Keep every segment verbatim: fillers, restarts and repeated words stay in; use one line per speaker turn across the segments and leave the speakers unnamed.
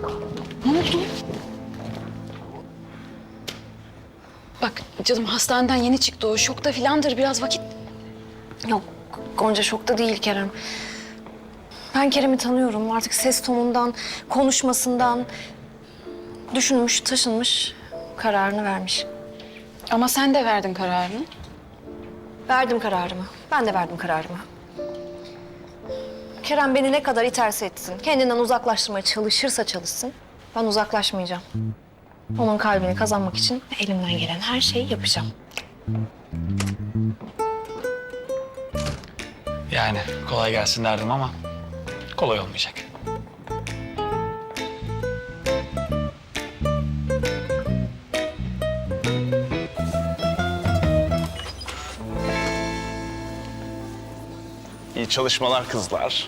Ne oldu? Bak canım hastaneden yeni çıktı o. Şokta filandır biraz vakit.
Yok Gonca şokta değil Kerem. Ben Kerem'i tanıyorum. Artık ses tonundan, konuşmasından düşünmüş, taşınmış, kararını vermiş.
Ama sen de verdin kararını.
Verdim kararımı. Ben de verdim kararımı. Kerem beni ne kadar iterse etsin, kendinden uzaklaştırmaya çalışırsa çalışsın, ben uzaklaşmayacağım. Onun kalbini kazanmak için elimden gelen her şeyi yapacağım.
Yani kolay gelsin derdim ama kolay olmayacak.
İyi çalışmalar kızlar.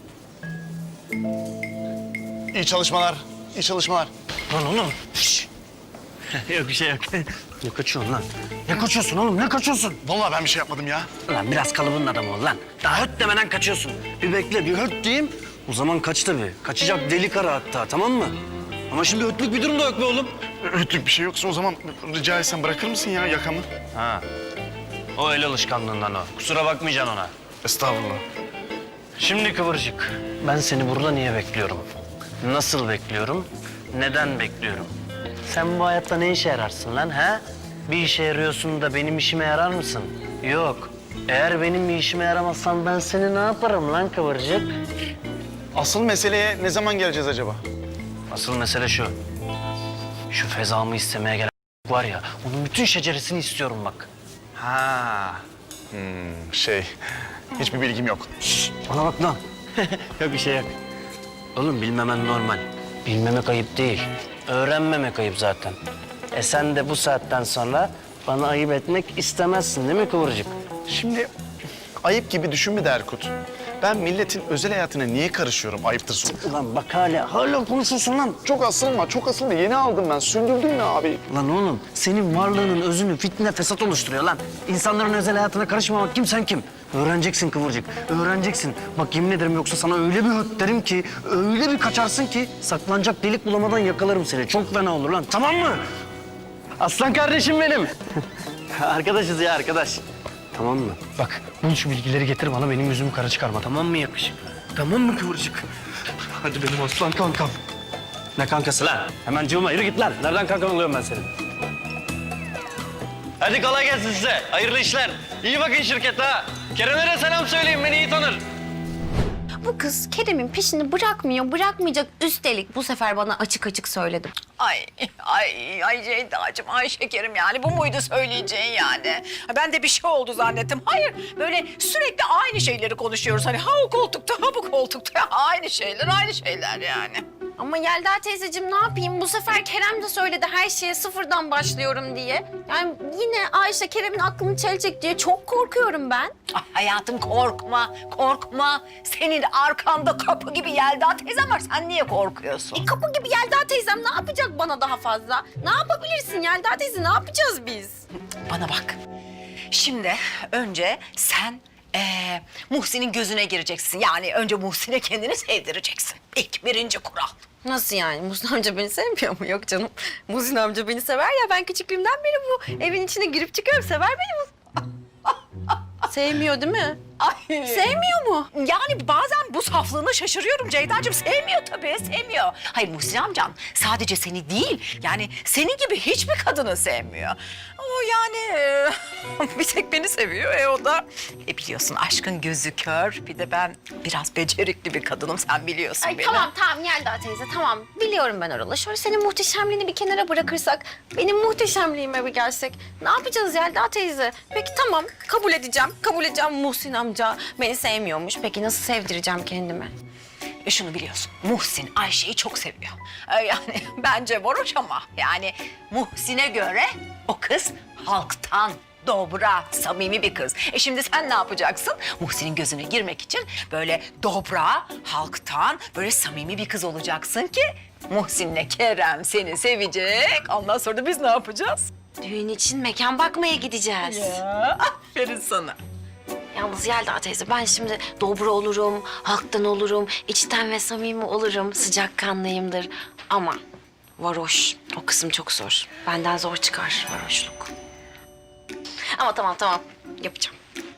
İyi çalışmalar, iyi çalışmalar.
Lan oğlum. Şş. Yok bir şey yok. Ne kaçıyorsun lan? Ne kaçıyorsun oğlum? Ne kaçıyorsun?
Vallahi ben bir şey yapmadım ya.
Lan biraz kalıbın adamı ol lan. Daha höt demeden kaçıyorsun. Bir bekle, bir höt diyeyim. O zaman kaç tabii. Kaçacak deli kara hatta, tamam mı? Ama şimdi hötlük bir durum da yok be oğlum.
Öğütlük bir şey yoksa o zaman rica etsem bırakır mısın ya yakamı?
Ha. O el alışkanlığından o. Kusura bakmayacaksın ona.
Estağfurullah.
Şimdi Kıvırcık, ben seni burada niye bekliyorum? Nasıl bekliyorum? Neden bekliyorum? Sen bu hayatta ne işe yararsın lan ha? Bir işe yarıyorsun da benim işime yarar mısın? Yok. Eğer benim bir işime yaramazsan ben seni ne yaparım lan Kıvırcık?
Asıl meseleye ne zaman geleceğiz acaba?
Asıl mesele şu. Şu fezamı istemeye gelen var ya, onun bütün şeceresini istiyorum bak.
Ha. Hmm, şey, hiçbir bilgim yok.
Bana bak lan. Yok bir şey yok. Oğlum bilmemen normal. Bilmemek ayıp değil. Öğrenmemek ayıp zaten. E sen de bu saatten sonra bana ayıp etmek istemezsin değil mi Kıvırcık?
Şimdi ayıp gibi düşünme de Erkut. Ben milletin özel hayatına niye karışıyorum ayıptır sonra.
Ulan bak hala, hala konuşuyorsun lan.
Çok asılma, çok asılma. Yeni aldım ben. Sündürdün mü abi?
Lan oğlum senin varlığının özünü fitne fesat oluşturuyor lan. İnsanların özel hayatına karışmamak kim sen kim? Öğreneceksin Kıvırcık, öğreneceksin. Bak yemin ederim yoksa sana öyle bir höt derim ki, öyle bir kaçarsın ki saklanacak delik bulamadan yakalarım seni. Çok fena olur lan, tamam mı? Aslan kardeşim benim. Arkadaşız ya arkadaş. Tamam mı? Bak bul şu bilgileri getir bana, benim yüzümü kara çıkarma, tamam mı yakışık? Tamam mı Kıvırcık? Hadi benim aslan kankam. Ne kankası lan? Hemen cıvıma yürü git lan. Nereden kankan oluyorum ben senin? Hadi kolay gelsin size. Hayırlı işler. İyi bakın şirkete ha. Kerem'e de selam söyleyin, beni iyi tanır.
Bu kız Kerem'in peşini bırakmıyor, bırakmayacak. Üstelik bu sefer bana açık açık söyledi.
Ay, ay, ay Ceyda'cığım, ay şekerim yani. Bu muydu söyleyeceğin yani? Ben de bir şey oldu zannettim. Hayır, böyle sürekli aynı şeyleri konuşuyoruz. Hani ha o koltukta, ha bu koltukta. Aynı şeyler, aynı şeyler yani.
Ama Yelda teyzeciğim ne yapayım? Bu sefer Kerem de söyledi her şeye sıfırdan başlıyorum diye. Yani yine Ayşe Kerem'in aklını çelecek diye çok korkuyorum ben.
Ay hayatım korkma, korkma. Senin arkanda kapı gibi Yelda teyzem var. Sen niye korkuyorsun?
E, kapı gibi Yelda teyzem ne yapacak bana daha fazla? Ne yapabilirsin Yelda teyze? Ne yapacağız biz?
Bana bak. Şimdi önce sen ee, Muhsin'in gözüne gireceksin. Yani önce Muhsin'e kendini sevdireceksin. İlk birinci kural.
Nasıl yani? Muhsin amca beni sevmiyor mu? Yok canım. Muhsin amca beni sever ya. Ben küçüklüğümden beri bu evin içine girip çıkıyorum. Sever beni Muhsin. Sevmiyor değil mi?
Ay.
Sevmiyor mu?
Yani bazen bu saflığına şaşırıyorum Ceyda'cığım. Sevmiyor tabii, sevmiyor. Hayır Muhsin amcan sadece seni değil, yani senin gibi hiçbir kadını sevmiyor. O yani e, bir tek beni seviyor. E o da e, biliyorsun aşkın gözü kör. Bir de ben biraz becerikli bir kadınım, sen biliyorsun
Ay
beni.
tamam tamam Yelda teyze tamam. Biliyorum ben oralı. Şöyle senin muhteşemliğini bir kenara bırakırsak, benim muhteşemliğime bir gelsek. Ne yapacağız Yelda teyze? Peki tamam kabul edeceğim. Kabul edeceğim Muhsin amca beni sevmiyormuş. Peki nasıl sevdireceğim kendimi?
E şunu biliyorsun, Muhsin Ayşe'yi çok seviyor. E yani bence varoş ama yani Muhsin'e göre o kız halktan. Dobra, samimi bir kız. E şimdi sen ne yapacaksın? Muhsin'in gözüne girmek için böyle dobra, halktan, böyle samimi bir kız olacaksın ki Muhsin'le Kerem seni sevecek. Ondan sonra da biz ne yapacağız?
Düğün için mekan bakmaya gideceğiz.
Ya, aferin sana.
Yalnız Yelda teyze ben şimdi dobra olurum, halktan olurum, içten ve samimi olurum, sıcakkanlıyımdır. Ama varoş, o kısım çok zor. Benden zor çıkar varoşluk. Ama tamam tamam, yapacağım.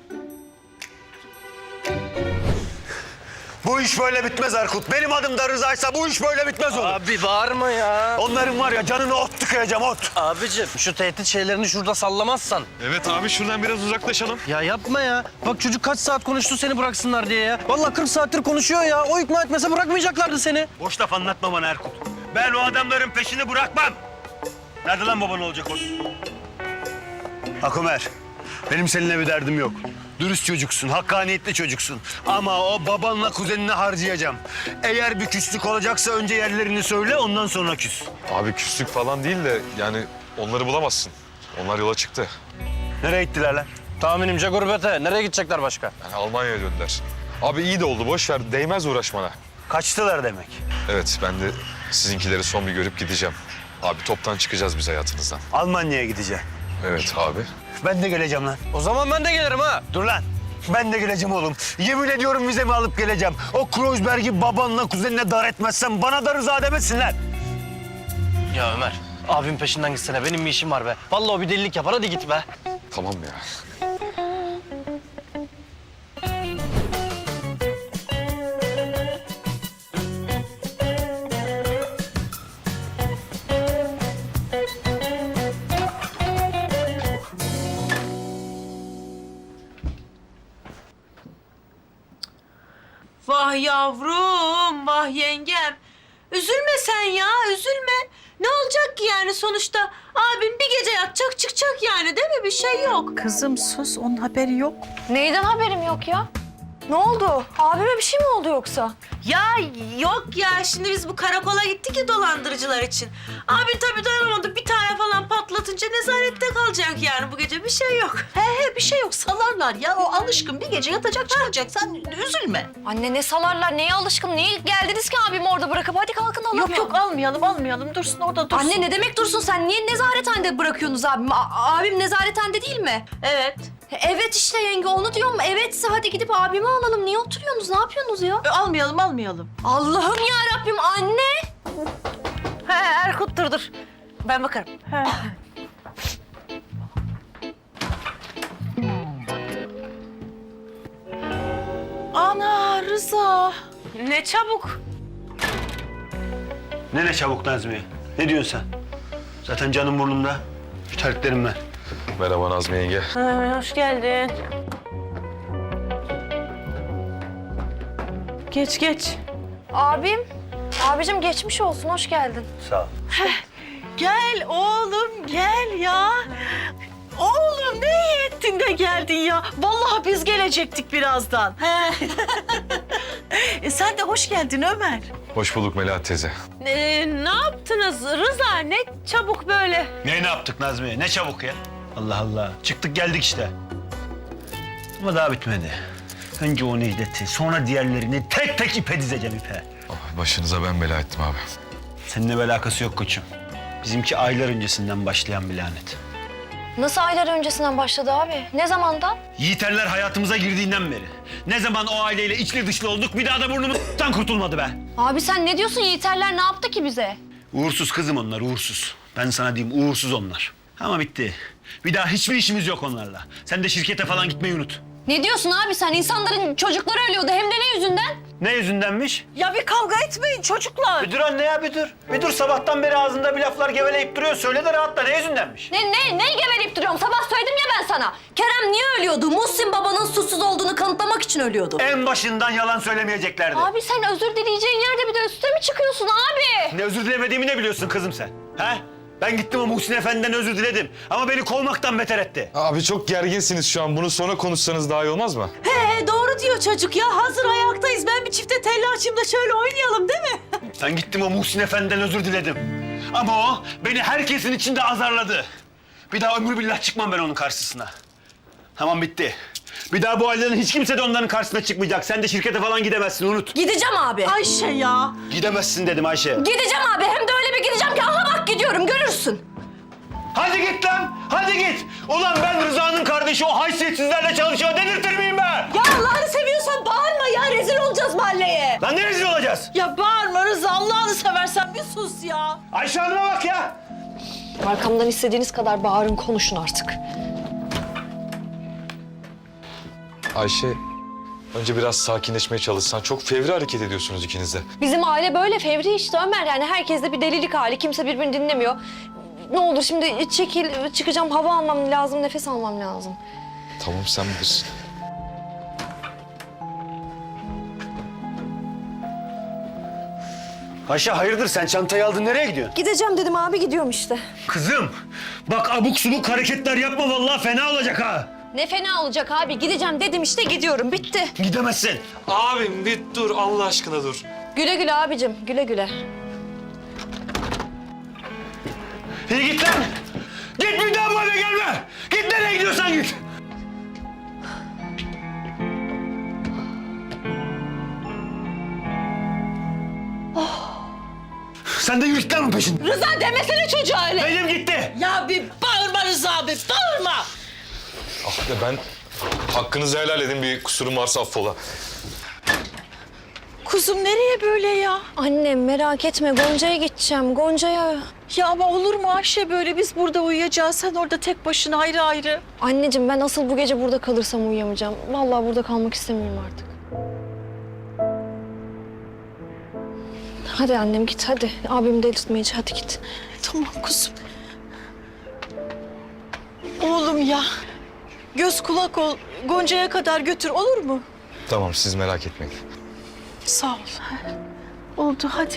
Bu iş böyle bitmez Erkut. Benim adım da Rıza'ysa bu iş böyle bitmez oğlum.
Abi bağırma ya.
Onların var ya canını ot tıkayacağım ot.
Abicim şu tehdit şeylerini şurada sallamazsan.
Evet abi şuradan biraz uzaklaşalım.
Ya yapma ya. Bak çocuk kaç saat konuştu seni bıraksınlar diye ya. Vallahi kırk saattir konuşuyor ya. O ikna etmese bırakmayacaklardı seni.
Boş laf anlatma bana Erkut. Ben o adamların peşini bırakmam. Nerede lan baban olacak o? Akumer, benim seninle bir derdim yok. Dürüst çocuksun, hakkaniyetli çocuksun. Ama o babanla kuzenini harcayacağım. Eğer bir küslük olacaksa önce yerlerini söyle, ondan sonra küs.
Abi küslük falan değil de yani onları bulamazsın. Onlar yola çıktı.
Nereye gittiler lan?
Tahminimce gurbete. Nereye gidecekler başka?
Yani Almanya'ya döndüler. Abi iyi de oldu boş ver değmez uğraşmana.
Kaçtılar demek.
Evet ben de sizinkileri son bir görüp gideceğim. Abi toptan çıkacağız biz hayatınızdan.
Almanya'ya gideceğim.
Evet abi.
Ben de geleceğim lan.
O zaman ben de gelirim ha.
Dur lan. Ben de geleceğim oğlum. Yemin ediyorum vizemi alıp geleceğim. O Kreuzberg'i babanla kuzenine dar etmezsem bana da rıza demesinler.
Ya Ömer, abim peşinden gitsene. Benim bir işim var be. Vallahi o bir delilik yapar. Hadi git be.
Tamam ya.
Vah yavrum, vah yengem. Üzülme sen ya, üzülme. Ne olacak ki yani sonuçta? Abin bir gece yatacak, çıkacak yani değil mi? Bir şey yok.
Kızım sus, onun haberi yok.
Neyden haberim yok ya? Ne oldu? Abime bir şey mi oldu yoksa?
Ya yok ya, şimdi biz bu karakola gittik ya dolandırıcılar için. Abin tabii dayanamadı, bir tane falan patlatınca nezarette kalacak yani bu gece. Bir şey yok.
He he bir şey yok, salarlar ya. O alışkın bir gece yatacak çıkacak. Sen üzülme.
Anne ne salarlar, neye alışkın, niye geldiniz ki abimi orada bırakıp? Hadi kalkın alalım.
Yok yok almayalım, almayalım. Dursun orada dursun.
Anne ne demek dursun, sen niye nezarethanede bırakıyorsunuz abimi? A- abim nezarethanede değil mi?
Evet.
Evet işte yenge, onu diyorum. Evetse hadi gidip abimi alalım. Niye oturuyorsunuz, ne yapıyorsunuz ya?
E, almayalım, almayalım.
Allah'ım ya Rabbim, anne.
He Erkut dur dur. Ben bakarım.
Ana Rıza.
Ne çabuk.
Ne ne çabuk Nazmiye? Ne diyorsun sen? Zaten canım burnumda. Terliklerim ben.
Merhaba Nazmi yenge.
Ha, hoş geldin. Geç geç.
Abim, abicim geçmiş olsun, hoş geldin.
Sağ ol.
Gel oğlum, gel ya. Oğlum ne iyi ettin de geldin ya. Vallahi biz gelecektik birazdan. He. e, sen de hoş geldin Ömer.
Hoş bulduk Melahat teyze.
Ee, ne yaptınız Rıza? Ne çabuk böyle.
Ne ne yaptık Nazmiye? Ne çabuk ya? Allah Allah. Çıktık geldik işte. Ama daha bitmedi. Önce o Necdet'i, sonra diğerlerini tek tek ipe dizeceğim ipe.
Oh, başınıza ben bela ettim abi.
Seninle bir alakası yok koçum. Bizimki aylar öncesinden başlayan bir lanet.
Nasıl aylar öncesinden başladı abi? Ne zamandan?
Yiğiterler hayatımıza girdiğinden beri. Ne zaman o aileyle içli dışlı olduk bir daha da burnumuzdan kurtulmadı be.
Abi sen ne diyorsun? Yiğiterler ne yaptı ki bize?
Uğursuz kızım onlar, uğursuz. Ben sana diyeyim, uğursuz onlar. Ama bitti. Bir daha hiçbir işimiz yok onlarla. Sen de şirkete falan gitmeyi unut.
Ne diyorsun abi sen? İnsanların çocukları ölüyordu, hem de ne yüzünden?
Ne yüzündenmiş?
Ya bir kavga etmeyin çocuklar.
Bir dur anne ya, bir dur. Bir dur, sabahtan beri ağzında bir laflar geveleyip duruyor. Söyle de rahatla, ne yüzündenmiş?
Ne, ne, ne geveleyip duruyorum? Sabah söyledim ya ben sana. Kerem niye ölüyordu? Muhsin babanın suçsuz olduğunu kanıtlamak için ölüyordu.
En başından yalan söylemeyeceklerdi.
Abi sen özür dileyeceğin yerde bir de üstüne mi çıkıyorsun abi?
Ne özür dilemediğimi ne biliyorsun kızım sen? He? Ben gittim o Muhsin Efendi'den özür diledim. Ama beni kovmaktan beter etti.
Abi çok gerginsiniz şu an. Bunu sonra konuşsanız daha iyi olmaz mı?
He doğru diyor çocuk ya. Hazır ayaktayız. Ben bir çifte telli açayım da şöyle oynayalım değil mi?
Ben gittim o Muhsin Efendi'den özür diledim. Ama o beni herkesin içinde azarladı. Bir daha ömür billah çıkmam ben onun karşısına. Tamam bitti. Bir daha bu aileden hiç kimse de onların karşısına çıkmayacak. Sen de şirkete falan gidemezsin, unut.
Gideceğim abi.
Ayşe ya.
Gidemezsin dedim Ayşe.
Gideceğim abi. Hem de öyle bir gideceğim ki aha bak gidiyorum, görürsün.
Hadi git lan! Hadi git! Ulan ben Rıza'nın kardeşi o haysiyetsizlerle çalışıyor dedirtir miyim ben?
Ya Allah'ını seviyorsan bağırma ya. Rezil olacağız mahalleye.
Lan ne rezil olacağız?
Ya bağırma Rıza. Allah'ını seversen bir sus ya.
Ayşe Hanım'a bak ya!
Arkamdan istediğiniz kadar bağırın, konuşun artık.
Ayşe, önce biraz sakinleşmeye çalışsan. Çok fevri hareket ediyorsunuz ikiniz de.
Bizim aile böyle fevri işte Ömer. Yani herkeste bir delilik hali. Kimse birbirini dinlemiyor. Ne olur şimdi çekil, çıkacağım. Hava almam lazım, nefes almam lazım.
Tamam, sen bilirsin.
Ayşe hayırdır sen çantayı aldın nereye gidiyorsun?
Gideceğim dedim abi, gidiyorum işte.
Kızım bak abuk subuk hareketler yapma vallahi fena olacak ha.
Ne fena olacak abi. Gideceğim dedim işte, gidiyorum. Bitti.
Gidemezsin.
Abim bir dur, Allah aşkına dur.
Güle güle abicim, güle güle.
İyi git lan. Git bir daha bu eve gelme. Git nereye gidiyorsan git. Sen de yürü git lan onun peşinden.
Rıza demesene çocuğa öyle.
Benim gitti.
Ya bir bağırma Rıza abi. Bağırma.
Ah be, ben hakkınızı helal edin, bir kusurum varsa affola.
Kuzum nereye böyle ya?
Annem merak etme, Gonca'ya gideceğim. Gonca'ya.
Ya ama olur mu Ayşe böyle? Biz burada uyuyacağız. Sen orada tek başına ayrı ayrı.
Anneciğim ben asıl bu gece burada kalırsam uyuyamayacağım. Vallahi burada kalmak istemiyorum artık. Hadi annem git hadi. Abim delirtmeyici, hadi git.
Tamam kuzum. Oğlum ya. Göz kulak ol. Gonca'ya kadar götür olur mu?
Tamam, siz merak etmeyin.
Sağ ol. Oldu hadi.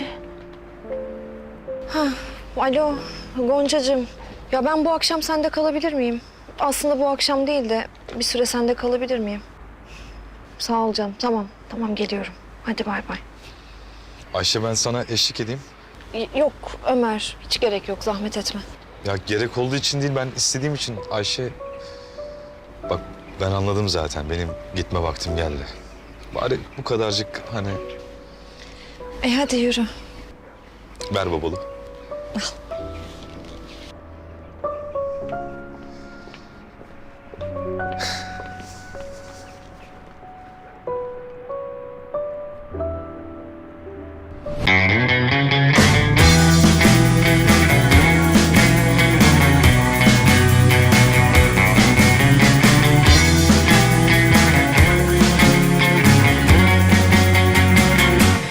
Alo Goncacığım. Ya ben bu akşam sende kalabilir miyim? Aslında bu akşam değil de bir süre sende kalabilir miyim? Sağ ol canım. Tamam, tamam geliyorum. Hadi bay bay.
Ayşe, ben sana eşlik edeyim.
Y- Yok Ömer, hiç gerek yok. Zahmet etme.
Ya gerek olduğu için değil, ben istediğim için. Ayşe, bak ben anladım zaten. Benim gitme vaktim geldi. Bari bu kadarcık hani
E hadi yürü.
ver babalı.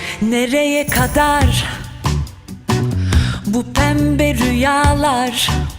Nereye kadar bu pembe rüyalar?